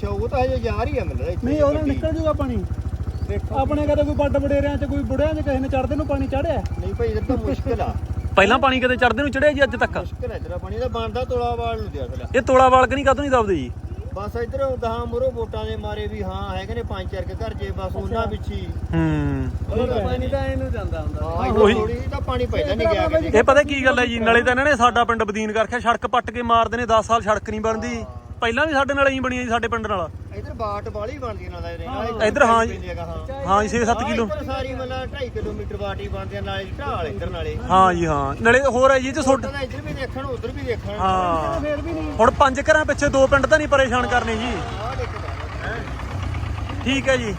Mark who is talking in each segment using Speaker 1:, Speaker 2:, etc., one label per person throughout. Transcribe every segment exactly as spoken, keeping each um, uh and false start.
Speaker 1: ਉਹ ਤਾਂ ਹਜੇ ਜਾ ਰਹੀ ਆ ਮੈਨੂੰ
Speaker 2: ਨਹੀਂ ਉਹਨੇ ਨਿਕਲ ਜੂਗਾ ਪਾਣੀ ਆਪਣੇ ਕਦੇ ਕੋਈ ਵੱਡ ਵਡੇਰਿਆਂ ਚ ਕੋਈ ਬੁੜਿਆਂ ਚ ਕਿਸੇ ਨੇ ਚੜਦੇ ਨੂੰ ਪਾਣੀ ਚੜਿਆ
Speaker 1: ਨਹੀਂ ਭਾਈ ਇਧਰ ਤਾਂ ਮੁਸ਼ਕਿਲ ਆ
Speaker 3: ਪਹਿਲਾਂ ਪਾਣੀ ਕਦੇ ਚੜਦੇ ਨੂੰ ਚੜਿਆ ਜੀ ਅੱਜ ਤੱਕ
Speaker 1: ਮੁਸ਼ਕਿਲ ਹੈ ਇਧਰ ਪਾਣੀ ਦਾ ਬਣਦਾ ਤੋਲਾ ਵਾਲ ਨੂੰ ਦਿਆ ਥਲਾ
Speaker 3: ਇਹ ਤੋਲਾ ਵਾਲ ਕਿ ਨਹੀਂ ਕਾਹਤੋਂ ਨਹੀਂ ਦਬਦੇ ਜੀ
Speaker 1: ਬਸ ਇਧਰ ਗਾਂ ਮੁਰੋ ਵੋਟਾਂ ਦੇ ਮਾਰੇ ਵੀ ਹਾਂ ਹੈਗੇ ਨੇ ਪੰਜ ਚਾਰ ਕੇ ਘਰ ਜੇ ਬਸ ਉਹਨਾਂ ਵਿੱਚ ਹੀ
Speaker 3: ਹੂੰ
Speaker 2: ਪਾਣੀ ਤਾਂ ਇਹਨੂੰ ਜਾਂਦਾ ਹੁੰਦਾ
Speaker 1: ਉਹੀ ਥੋੜੀ ਤਾਂ ਪਾਣੀ ਪਹਿਲਾਂ ਨਹੀਂ ਗਿਆ ਕਿਤੇ
Speaker 3: ਇਹ ਪਤਾ ਕੀ ਗੱਲ ਹੈ ਜੀ ਨਾਲੇ ਤਾਂ ਇਹਨਾਂ ਨੇ ਸਾਡਾ ਪਿੰਡ ਬਦੀਨ ਕਰਕੇ ਸੜਕ ਪੱਟ ਕੇ ਮਾਰਦੇ ਨੇ ਦਸ ਸਾਲ ਸੜਕ ਨਹੀਂ ਬਣਦੀ ਪਹਿਲਾਂ ਵੀ ਸਾਡੇ ਨਾਲ ਇਹੀ ਬਣੀ ਜੀ ਸਾਡੇ ਪਿੰਡ ਨਾਲ
Speaker 1: ਇਧਰ ਬਾਟ ਵਾਲੀ ਬਣਦੀ ਨਾਲ ਇਹਦੇ
Speaker 3: ਇੱਧਰ ਹਾਂ ਜੀ ਹਾਂ ਜੀ ਛੇ ਸੱਤ ਕਿਲੋ
Speaker 1: ਸਾਰੀ ਮਤਲਬ ਢਾਈ ਕਿਲੋਮੀਟਰ ਬਾਟ ਹੀ ਬਣਦੀ ਆ ਨਾਲੇ ਢਾਲ ਇਧਰ ਨਾਲੇ
Speaker 3: ਹਾਂ ਜੀ ਹਾਂ ਨਾਲੇ ਹੋਰ ਹੈ ਜੀ ਤੇ ਛੋਟ
Speaker 1: ਇੱਧਰ ਵੀ ਦੇਖਣ ਉਧਰ ਵੀ ਦੇਖਣ
Speaker 3: ਹਾਂ
Speaker 2: ਫੇਰ ਵੀ ਨਹੀਂ
Speaker 3: ਹੁਣ ਪੰਜ ਘਰਾਂ ਪਿੱਛੇ ਦੋ ਪਿੰਡ ਤਾਂ ਨਹੀਂ ਪਰੇਸ਼ਾਨ ਕਰਨੇ ਜੀ
Speaker 1: ਆਹ ਦੇਖਦਾ
Speaker 3: ਠੀਕ ਹੈ ਜੀ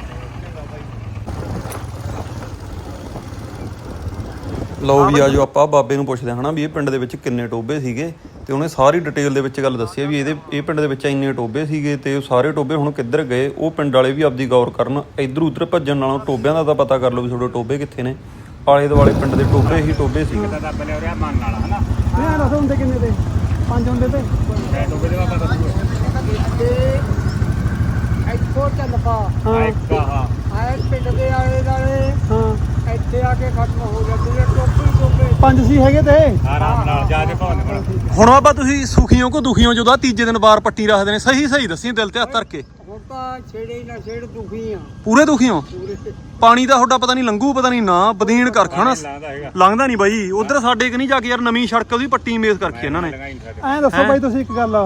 Speaker 3: ਲਓ ਵੀ ਆਜੋ ਆਪਾਂ ਬਾਬੇ ਨੂੰ ਪੁੱਛਦੇ ਹਨਾ ਵੀ ਇਹ ਪਿੰਡ ਦੇ ਵਿੱਚ ਕਿੰਨੇ ਟੋਬੇ ਸੀਗੇ ਤੇ ਉਹਨੇ ਸਾਰੀ ਡਿਟੇਲ ਦੇ ਵਿੱਚ ਗੱਲ ਦੱਸੀ ਵੀ ਇਹਦੇ ਇਹ ਪਿੰਡ ਦੇ ਵਿੱਚ ਇੰਨੇ ਟੋਬੇ ਸੀਗੇ ਤੇ ਉਹ ਸਾਰੇ ਟੋਬੇ ਹੁਣ ਕਿੱਧਰ ਗਏ ਉਹ ਪਿੰਡ ਵਾਲੇ ਵੀ ਆਪਦੀ ਗੌਰ ਕਰਨ ਇੱਧਰ ਉੱਧਰ ਭੱਜਣ ਨਾਲੋਂ ਟੋਬਿਆਂ ਦਾ ਤਾਂ ਪਤਾ ਕਰ ਲਓ ਵੀ ਤੁਹਾਡੇ ਟੋਬੇ ਕਿੱਥੇ ਨੇ ਆਲੇ ਦੁਆਲੇ ਪਿੰਡ ਦੇ ਟੋਬੇ ਹੀ ਟੋਬੇ ਸੀਗੇ
Speaker 2: ਇਹ ਦੱਸ ਹੁੰਦੇ ਕਿੰਨੇ ਤੇ ਪੰਜ ਹੁੰਦੇ ਤੇ
Speaker 1: ਟੋਬੇ ਦੇ ਬਾਬਾ ਦੱਸੋ ਇੱਥੋਂ ਚੱਲ ਪਾ
Speaker 2: ਹਾਂ
Speaker 1: ਆਏ ਪਿੰਡ ਦੇ ਆਲੇ ਦਾਲੇ
Speaker 2: ਹਾਂ
Speaker 1: ਇੱਥੇ ਆ ਕੇ ਖਤਮ ਹੋ ਜਾਂਦੇ ਨੇ ਟੋਬੇ ਟੋਬੇ
Speaker 2: ਪੰਜ ਸੀ ਹੈਗੇ ਤੇ
Speaker 1: ਆਰਾਮ ਨਾਲ ਜਾ ਕੇ ਭੌਣ ਕੋਲ
Speaker 3: ਹੁਣ ਆਪਾਂ ਤੁਸੀਂ ਸੁਖੀਓ ਕੋ ਦੁਖੀਓ ਜਦੋਂ ਤੀਜੇ ਦਿਨ ਬਾਰ ਪੱਟੀ ਰੱਖਦੇ ਨੇ ਸਹੀ ਸਹੀ ਦੱਸੀ ਦਿਲ ਤੇ ਹੱਥ ਧਰ ਕੇ
Speaker 1: ਹੁਣ ਤਾਂ ਛੇੜੇ ਨਾ ਛੇੜ ਦੁਖੀ ਆ
Speaker 3: ਪੂਰੇ ਦੁਖੀਓ
Speaker 1: ਪੂਰੇ
Speaker 3: ਪਾਣੀ ਦਾ ਤੁਹਾਡਾ ਪਤਾ ਨਹੀਂ ਲੰਘੂ ਪਤਾ ਨਹੀਂ ਨਾ ਬਦੀਨ ਕਰਖਾ ਨਾ ਲੰਘਦਾ ਨਹੀਂ ਬਾਈ ਉਧਰ ਸਾਡੇ ਕਿ ਨਹੀਂ ਜਾ ਕੇ ਯਾਰ ਨਵੀਂ ਸੜਕ ਉਹਦੀ ਪੱਟੀ ਮੇਸ ਕਰਕੇ ਇਹਨਾਂ ਨੇ
Speaker 2: ਐਂ ਦੱਸੋ ਬਾਈ ਤੁਸੀਂ ਇੱਕ ਗੱਲ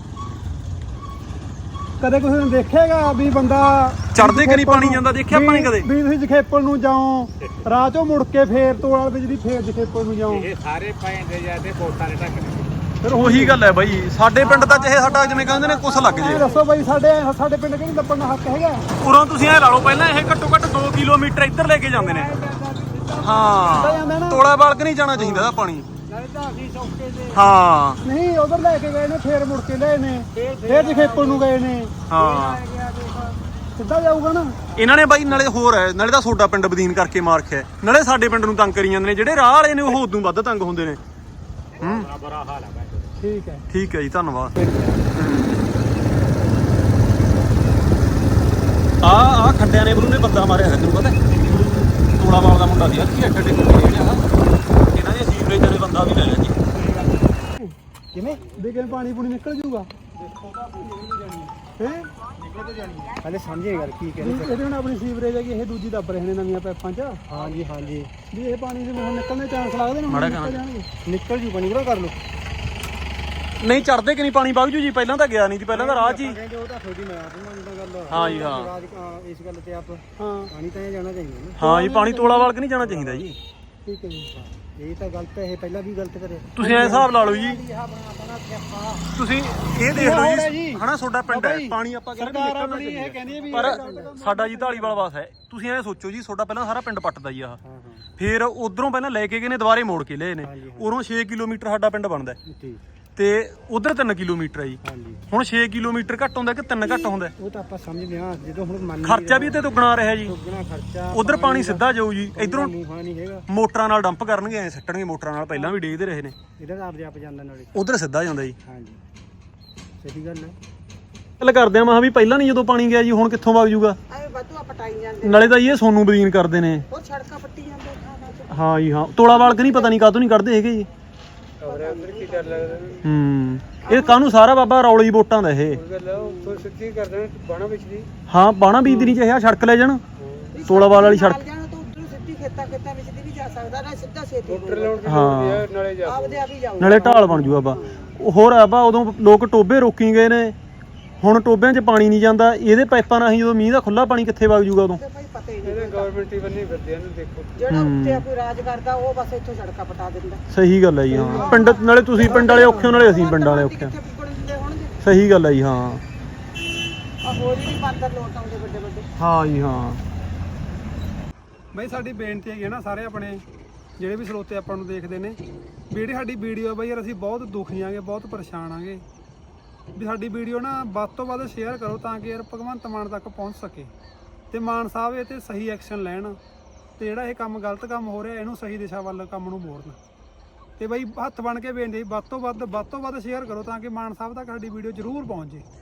Speaker 2: ਕਦੇ ਕਿਸੇ ਨੇ ਦੇਖੇਗਾ ਵੀ ਬੰਦਾ
Speaker 3: ਚੜਦੇ ਕਿ ਨਹੀਂ ਪਾਣੀ ਜਾਂਦਾ ਦੇਖਿਆ ਆਪਾਂ ਨੇ ਕਦੇ
Speaker 2: ਵੀ ਤੁਸੀਂ ਜਖੇਪਲ ਨੂੰ ਜਾਓ ਰਾਹ ਚੋਂ ਮੁੜ ਕੇ ਫੇਰ ਤੋਲ ਵਿੱਚ ਦੀ ਫੇਰ ਜਖੇਪਲ ਨੂੰ ਜਾਓ
Speaker 1: ਇਹ ਸਾਰੇ ਪੈਂਦੇ ਜਾਂਦੇ ਵੋਟਾਂ ਦੇ ਢੱਕ
Speaker 3: ਫਿਰ ਉਹੀ ਗੱਲ ਹੈ ਬਾਈ ਸਾਡੇ ਪਿੰਡ ਤਾਂ ਚਾਹੇ ਸਾਡਾ ਜਿਵੇਂ ਕਹਿੰਦੇ ਨੇ ਕੁਛ ਲੱਗ
Speaker 2: ਐਂ
Speaker 3: ਜੇ
Speaker 2: ਦੱਸੋ ਬਾਈ ਸਾਡੇ ਸਾਡੇ ਪਿੰਡ ਕਿਹੜੀ ਦੱਪਣ ਦਾ ਹੱਕ ਹੈਗਾ
Speaker 3: ਉਰੋਂ ਤੁਸੀਂ ਐ ਲਾ ਲਓ ਪਹਿਲਾਂ ਇਹ ਘੱਟੋ ਘੱਟ ਦੋ ਕਿਲੋਮੀਟਰ ਇੱਧਰ ਲੈ ਕੇ ਜਾਂਦੇ ਨੇ ਹਾਂ ਤੋਲਾ ਬਾਲਕ ਨਹੀਂ ਜਾਣਾ ਚਾਹੀਦਾ ਇਹਦਾ ਪਾਣੀ ਹਾਂ
Speaker 2: ਨਹੀਂ ਉਧਰ ਲੈ ਕੇ ਗਏ ਨੇ ਫੇਰ ਮੁੜ ਕੇ ਲਏ ਨੇ ਫੇਰ ਜਖੇਪਲ ਨੂੰ ਗਏ ਨੇ
Speaker 3: ਹਾਂ
Speaker 2: ਸਿੱਧਾ ਜਾਊਗਾ ਨਾ
Speaker 3: ਇਹਨਾਂ ਨੇ ਬਾਈ ਨਾਲੇ ਹੋਰ ਹੈ ਨਾਲੇ ਤਾਂ ਤੁਹਾਡਾ ਪਿੰਡ ਬਦੀਨ ਕਰਕੇ ਮਾਰਖਿਆ ਨਾਲੇ ਸਾਡੇ ਪਿੰਡ ਨੂੰ ਤੰਗ ਕਰੀ ਜਾਂਦੇ ਨੇ ਜਿਹੜੇ ਰਾਹ ਵਾਲੇ ਨੇ ਉਹ ਉਦੋਂ ਵੱਧ ਤੰਗ ਹੁੰਦੇ ਨੇ ਹੂੰ
Speaker 1: ਬੁਰਾ ਹਾਲ ਹੈ
Speaker 2: ਠੀਕ ਹੈ
Speaker 3: ਠੀਕ ਹੈ ਜੀ ਧੰਨਵਾਦ ਆ ਆ ਖੱਡਿਆਂ ਨੇ ਬਰੂ ਨੇ ਬੰਦਾ ਮਾਰਿਆ ਹੈ ਤੈਨੂੰ ਪਤਾ ਤੋਲਾ ਵਾਲ ਦਾ ਮੁੰਡਾ ਸੀ ਅੱਛੀ ਅੱਡੇ ਅੱਡੇ ਜਿਹੜਾ ਇਹਨਾਂ ਦੇ ਸੀਵਰੇਜ ਵਾਲੇ ਬੰਦਾ ਵੀ ਲੈ ਲਿਆ ਜੀ
Speaker 2: ਕਿਵੇਂ ਦੇਖੇ ਪਾਣੀ ਪੂਣੀ ਨਿਕਲ ਜੂਗਾ ਹੈ
Speaker 1: ਹਲੇ ਸਮਝੇ ਗੱਲ ਕੀ ਕਹਿੰਦੇ
Speaker 2: ਇਹਦੇ ਹੁਣ ਆਪਣੀ ਸੀਵਰੇਜ ਹੈਗੀ ਇਹ ਦੂਜੀ ਦੱਬ ਰਹੇ ਨੇ ਨਵੀਆਂ ਪਾਈਪਾਂ 'ਚ
Speaker 1: ਹਾਂਜੀ ਹਾਂਜੀ
Speaker 2: ਵੀ ਇਹ ਪਾਣੀ ਦੇ ਹੁਣ ਨਿਕਲਣ ਦੇ ਚਾਂਸ ਲੱਗਦੇ ਨੇ
Speaker 3: ਮਾੜਾ
Speaker 2: ਨਿਕਲ
Speaker 3: ਕਰਾਂ।
Speaker 2: ਜਾਣਗੇ
Speaker 1: ਨਿਕਲ ਜੂ ਬਣੀ ਬਰਾ ਕਰ ਲੋ
Speaker 3: ਨਹੀਂ ਚੜਦੇ ਕਿ ਨਹੀਂ ਪਾਣੀ ਵਗ ਜੂ ਜੀ ਪਹਿਲਾਂ ਤਾਂ ਗਿਆ ਨਹੀਂ ਸੀ ਪਹਿਲਾਂ ਤਾਂ ਰਾਹ 'ਚ ਹੀ
Speaker 1: ਕਹਿੰਦੇ ਉਹ ਤਾਂ ਥੋੜੀ ਮੈਂ ਆਪ ਮੰਨਦਾ ਗੱਲ
Speaker 3: ਹਾਂ ਜੀ ਹਾਂ
Speaker 1: ਰਾਜ ਇਸ ਗੱਲ ਤੇ ਆਪ
Speaker 2: ਹਾਂ
Speaker 1: ਪਾਣੀ ਤਾਂ ਇਹ ਜਾਣਾ ਚਾਹੀਦਾ ਨਾ
Speaker 3: ਹਾਂ ਜੀ ਪਾਣੀ ਤੋਲਾ ਵਾਲ ਕੇ ਨਹੀਂ ਜਾਣਾ ਚਾਹੀਦਾ ਜੀ
Speaker 2: ਠੀਕ ਹੈ ਜੀ
Speaker 1: ਇਹ ਤਾਂ ਗਲਤ ਹੈ ਇਹ ਪਹਿਲਾਂ ਵੀ ਗਲਤ ਕਰੇ
Speaker 3: ਤੁਸੀਂ ਐ ਹਿਸਾਬ ਲਾ ਲਓ ਜੀ ਤੁਸੀਂ ਇਹ ਦੇਖ ਲਓ ਜੀ ਹਨਾ ਤੁਹਾਡਾ ਪਿੰਡ ਹੈ ਪਾਣੀ ਆਪਾਂ ਕਹਿੰਦੇ
Speaker 2: ਸਰਕਾਰ ਆਪਣੀ ਇਹ ਕਹਿੰਦੀ ਹੈ ਵੀ
Speaker 3: ਪਰ ਸਾਡਾ ਜੀ ਢਾਲੀਵਾਲ ਵਾਸ ਹੈ ਤੁਸੀਂ ਐ ਸੋਚੋ ਜੀ ਤੁਹਾਡਾ ਪਹਿਲਾਂ ਸਾਰਾ ਪਿੰਡ ਪੱਟਦਾ ਜੀ ਆਹ ਫਿਰ ਉਧਰੋਂ ਪਹਿਲਾਂ ਲੈ ਕੇ ਗਏ ਨੇ ਦੁਬਾਰੇ ਮੋੜ ਕੇ ਲਏ ਨੇ ਉਰੋਂ ਛੇ ਕਿਲੋਮੀਟਰ ਸਾਡਾ ਪਿੰਡ ਬਣਦਾ
Speaker 1: ਠੀਕ
Speaker 3: ਤੇ ਉਧਰ ਤਿੰਨ ਕਿਲੋਮੀਟਰ ਹੈ ਜੀ
Speaker 1: ਹਾਂਜੀ
Speaker 3: ਹੁਣ ਛੇ ਕਿਲੋਮੀਟਰ ਘੱਟ ਹੁੰਦਾ ਕਿ ਤਿੰਨ ਘੱਟ ਹੁੰਦਾ
Speaker 1: ਉਹ ਤਾਂ ਆਪਾਂ ਸਮਝਦੇ ਹਾਂ ਜਦੋਂ ਹੁਣ ਮੰਨ
Speaker 3: ਖਰਚਾ ਵੀ ਤੇ ਦੁੱਗਣਾ ਰਿਹਾ ਜੀ
Speaker 1: ਦੁੱਗਣਾ ਖਰਚਾ
Speaker 3: ਉਧਰ ਪਾਣੀ ਸਿੱਧਾ ਜਾਊ ਜੀ ਇਧਰੋਂ
Speaker 1: ਮੂੰਹਾਂ ਨਹੀਂ ਹੈਗਾ
Speaker 3: ਮੋਟਰਾਂ ਨਾਲ ਡੰਪ ਕਰਨਗੇ ਐ ਸੱਟਣਗੇ ਮੋਟਰਾਂ ਨਾਲ ਪਹਿਲਾਂ ਵੀ ਡੇਗਦੇ ਰਹੇ ਨੇ
Speaker 1: ਇਹਦਾ ਤਾਂ ਆਪਦੇ ਆਪ ਜਾਂਦਾ ਨਾਲੇ
Speaker 3: ਉਧਰ ਸਿੱਧਾ ਜਾਂਦਾ ਜੀ
Speaker 1: ਹਾਂਜੀ ਸਹੀ ਗੱਲ ਹੈ
Speaker 3: ਗੱਲ ਕਰਦੇ ਆ ਮਾ ਵੀ ਪਹਿਲਾਂ ਨਹੀਂ ਜਦੋਂ ਪਾਣੀ ਗਿਆ ਜੀ ਹੁਣ ਕਿੱਥੋਂ ਵਗ ਜੂਗਾ
Speaker 4: ਐ ਵਾਧੂ ਪਟਾਈ ਜਾਂਦੇ
Speaker 3: ਨਾਲੇ ਤਾਂ ਇਹ ਸੋਨੂੰ ਬਦੀਨ ਕਰਦੇ ਨੇ
Speaker 4: ਉਹ ਸੜਕਾਂ ਪੱਟੀ ਜਾਂਦੇ ਥਾਂ ਥਾਂ
Speaker 3: ਹਾਂ ਜੀ ਹਾਂ ਤੋਲਾ ਵਾਲਕ ਨਹੀਂ ਪਤਾ ਨਹੀਂ ਕਾਹਤੋਂ ਨਹੀਂ ਕੱਢਦੇ ਹੈਗੇ ਜੀ
Speaker 1: ਉਧਰ ਕੀ ਕਰ ਲੱਗਦਾ
Speaker 3: ਹੂੰ ਇਹ ਕਾਹਨੂੰ ਸਾਰਾ ਬਾਬਾ ਰੌਲੀ ਵੋਟਾਂ ਦਾ ਇਹ
Speaker 1: ਗੱਲ ਉੱਥੋਂ ਸਿੱਧੀ ਕਰਦੇ ਬਾਣਾ ਵਿੱਚ ਦੀ
Speaker 3: ਹਾਂ ਬਾਣਾ ਬੀਜ ਨਹੀਂ ਚਾਹਿਆ ਸੜਕ ਲੈ ਜਾਣ ਤੋਲਾ ਵਾਲ ਵਾਲੀ ਸੜਕ
Speaker 4: ਜਾਣਾ ਤਾਂ ਉਧਰੋਂ ਸਿੱਧੀ ਖੇਤਾਂ ਖੇਤਾਂ ਵਿੱਚ ਦੀ ਵੀ ਜਾ ਸਕਦਾ ਨਾ ਸਿੱਧਾ ਛੇਤੀ
Speaker 1: ਮੋਟਰ ਲਾਉਣ ਦੀ
Speaker 3: ਹਾਂ
Speaker 1: ਨਾਲੇ ਜਾ
Speaker 4: ਆਪਦੇ ਆਪ ਹੀ ਜਾਊ
Speaker 3: ਨਾਲੇ ਢਾਲ ਬਣ ਜੂ ਬਾਬਾ ਹੋਰ ਆ ਬਾ ਉਦੋਂ ਲੋਕ ਟੋਬੇ ਰੋਕੀ ਗਏ ਨੇ ਹੁਣ ਟੋਬਿਆਂ 'ਚ ਪਾਣੀ ਨਹੀਂ ਜਾਂਦਾ ਇਹਦੇ ਪਾਈਪਾਂ ਰਾਹੀਂ ਜਦੋਂ ਮੀਂਹ ਦਾ ਖੁੱਲਾ ਪਾਣੀ ਕਿੱਥੇ ਵਗ ਜੂਗਾ ਉਦੋਂ
Speaker 4: ਭਾਈ ਪਤਾ ਹੀ ਨਹੀਂ
Speaker 1: ਇਹਦੇ ਗਵਰਨਮੈਂਟ ਹੀ ਬੰਨੀ ਫਿਰਦੇ ਇਹਨੂੰ ਦੇਖੋ
Speaker 4: ਜਿਹੜਾ ਉੱਤੇ ਕੋਈ ਰਾਜ ਕਰਦਾ ਉਹ ਬਸ ਇੱਥੋਂ ਸੜਕਾਂ ਪਟਾ ਦਿੰਦਾ
Speaker 3: ਸਹੀ ਗੱਲ ਹੈ ਜੀ ਹਾਂ ਪਿੰਡ ਨਾਲੇ ਤੁਸੀਂ ਪਿੰਡ ਵਾਲੇ ਔਖੇ ਹੋ ਨਾਲੇ ਅਸੀਂ ਪਿੰਡ ਵਾਲੇ ਔਖੇ
Speaker 4: ਕਿੱਥੇ ਪੁੱਗਣ ਦਿੰਦੇ ਹੋਣਗੇ
Speaker 3: ਸਹੀ ਗੱਲ ਹੈ ਜੀ ਹਾਂ
Speaker 4: ਆ ਹੋਰ ਹੀ ਬਾਂਦਰ ਲੋਟ ਆਉਂਦੇ ਵੱਡੇ ਵੱਡੇ
Speaker 3: ਹਾਂ ਜੀ ਹਾਂ
Speaker 2: ਬਈ ਸਾਡੀ ਬੇਨਤੀ ਹੈਗੀ ਹੈ ਨਾ ਸਾਰੇ ਆਪਣੇ ਜਿਹੜੇ ਵੀ ਸਰੋਤੇ ਆਪਾਂ ਨੂੰ ਦੇਖਦੇ ਨੇ ਵੀ ਜਿਹੜੀ ਸਾਡੀ ਵੀਡੀਓ ਬਈ ਯਾਰ ਅਸੀਂ ਬਹੁਤ ਦੁਖੀ ਆਂਗੇ ਬਹੁਤ ਪਰੇਸ਼ਾਨ ਆਂਗੇ ਵੀ ਸਾਡੀ ਵੀਡੀਓ ਨਾ ਵੱਧ ਤੋਂ ਵੱਧ ਸ਼ੇਅਰ ਕਰੋ ਤਾਂ ਕਿ ਯਾਰ ਭਗਵੰਤ ਮਾਨ ਤੱਕ ਪਹੁੰਚ ਸਕੇ ਤੇ ਮਾਨ ਸਾਹਿਬ ਇਹ ਤੇ ਸਹੀ ਐਕਸ਼ਨ ਲੈਣ ਤੇ ਜਿਹੜਾ ਇਹ ਕੰਮ ਗਲਤ ਕੰਮ ਹੋ ਰਿਹਾ ਇਹਨੂੰ ਸਹੀ ਦਿਸ਼ਾ ਵੱਲ ਕੰਮ ਨੂੰ ਮੋੜਨ ਤੇ ਬਈ ਹੱਥ ਬਣ ਕੇ ਬੇਨਤੀ ਵੱਧ ਤੋਂ ਵੱਧ ਵੱਧ ਤੋਂ ਵੱਧ ਸ਼ੇਅਰ ਕਰੋ ਤਾਂ ਕਿ ਮਾਨ ਸਾਹਿਬ ਤੱਕ ਸਾਡੀ ਵੀਡੀਓ ਜ਼ਰੂਰ ਪਹੁੰਚ ਜੇ।